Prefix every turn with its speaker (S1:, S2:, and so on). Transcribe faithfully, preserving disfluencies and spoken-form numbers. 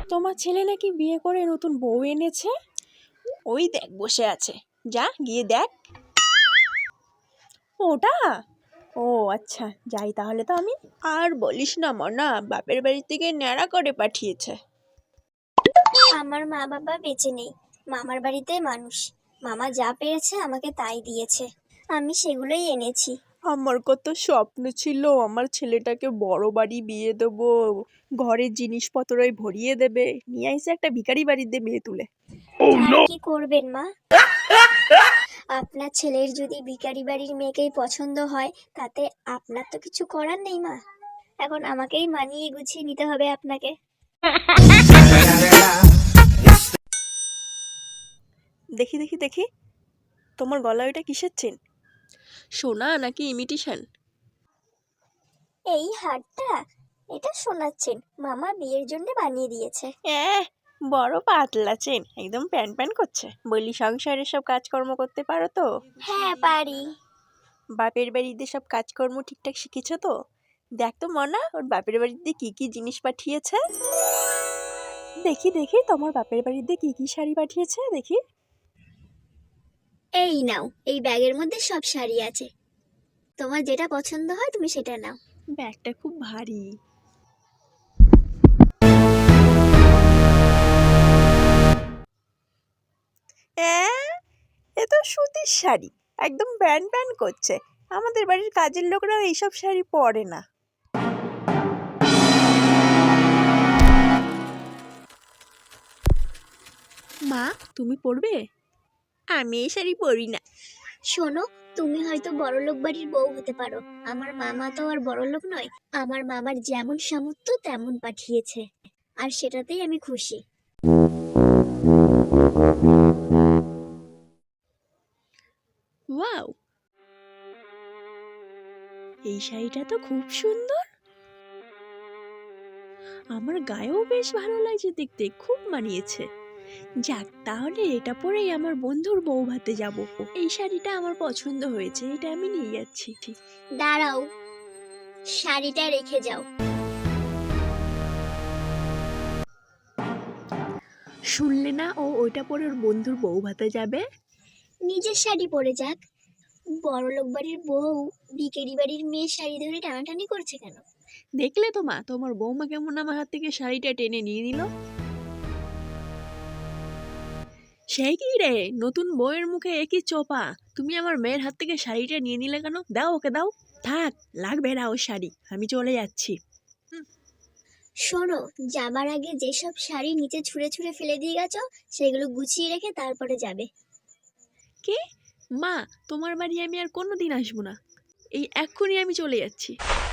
S1: তোমার ছেলে নাকি বিয়ে করে নতুন বউ এনেছে? ওই দেখ বসে আছে, যা গিয়ে দেখ। ওটা? ও আচ্ছা, যাই তাহলে তো আমি। আর বলিস না মনা, বাপের বাড়ি থেকে ন্যাড়া করে পাঠিয়েছে।
S2: আমার মা বাবা বেঁচে নেই, মামার বাড়িতে মানুষ। মামা যা পেরেছে আমাকে তাই দিয়েছে, আমি সেগুলোই এনেছি।
S1: আমার কত স্বপ্ন ছিল আমার ছেলেটাকে বড় বাড়ি বিয়ে দেবো, ঘরের জিনিসপত্রই ভরিয়ে দেবে, নিয়ে আইসে একটা ভিখারি বাড়িতে বিয়ে তুলে।
S2: আর কি করবেন মা, আপনার ছেলের যদি ভিখারি বাড়ির মেয়েকেই পছন্দ হয় তাতে আপনার তো কিছু করার নেই মা। এখন আমাকেই মানিয়ে গুছিয়ে নিতে হবে আপনাকে।
S1: দেখি দেখি দেখি, তোমার গলায় ওইটা কিসের চেন? সোনা নাকি ইমিটেশন?
S2: এই হারটা, এটা শোনাচ্ছেন মামা বিয়ের জন্য বানিয়ে দিয়েছে।
S1: হ্যাঁ, বড় পাতলা চেন, একদম প্যান প্যান করছে। বলি সংসারের সব কাজকর্ম করতে পারো তো?
S2: হ্যাঁ পারি।
S1: বাপের বাড়িতে সব কাজকর্ম ঠিকঠাক শিখেছো তো? দেখ তো মনা, ওর বাপের বাড়িতে কি কি জিনিস পাঠিয়েছে। দেখি দেখি তোমার বাপের বাড়িতে কি কি শাড়ি পাঠিয়েছে দেখি।
S2: এই নাও, এই ব্যাগের মধ্যে সব শাড়ি আছে, তোমার যেটা পছন্দ হয় তুমি সেটা নাও।
S1: ব্যাগটা খুব ভারী। হ্যাঁ, এ তো সুতির শাড়ি, একদম প্যান প্যান করছে। আমাদের বাড়ির কাজের লোকরা এইসব শাড়ি পরে না। মা, তুমি পরবে? আমি এই শাড়ি পরি না।
S2: শোনো, তুমি হয়তো বড়লোক বাড়ির বউ হতে পারো, আমার মামা তো আর বড়লোক নয়। আমার মামার যেমন সামর্থ্য তেমন পাঠিয়েছে, আর সেটাতেই আমি খুশি।
S1: ওয়াও, এই শাড়িটা তো খুব সুন্দর, আমার গায়েও বেশ ভালো লাগছে দেখতে, খুব মানিয়েছে। যাক, তাহলে এটা পরেই আমার বন্ধুর বউ ভাতে যাব। এই শাড়িটা আমার পছন্দ হয়েছে, এটা আমি নিয়ে যাচ্ছি।
S2: দাঁড়াও, শাড়িটা রেখে যাও।
S1: শুনলে না, ও ওইটা পরে ওর বন্ধুর বউ ভাতে যাবে।
S2: নিজের শাড়ি পরে যাক। বড়লোক বাড়ির বউ ভিখারি বাড়ির মেয়ে শাড়ি ধরে টানাটানি করছে কেন?
S1: দেখলে তো মা, তোমার বৌমা কেমন আমার হাত থেকে শাড়িটা টেনে নিয়ে নিল। সেই কি রে, নতুন বউয়ের মুখে একই চোপা, তুমি আমার মেয়ের হাত থেকে শাড়িটা নিয়ে নিলে কেন? দাও ওকে দাও। থাক, লাগবে না ওর শাড়ি, আমি চলে যাচ্ছি।
S2: শোনো, যাবার আগে যেসব শাড়ি নিচে ছুঁড়ে ছুঁড়ে ফেলে দিয়ে গেছো সেগুলো গুছিয়ে রেখে তারপরে যাবে।
S1: কে? মা, তোমার বাড়ি আমি আর কোনোদিন আসবো না, এই এক্ষুনি আমি চলে যাচ্ছি।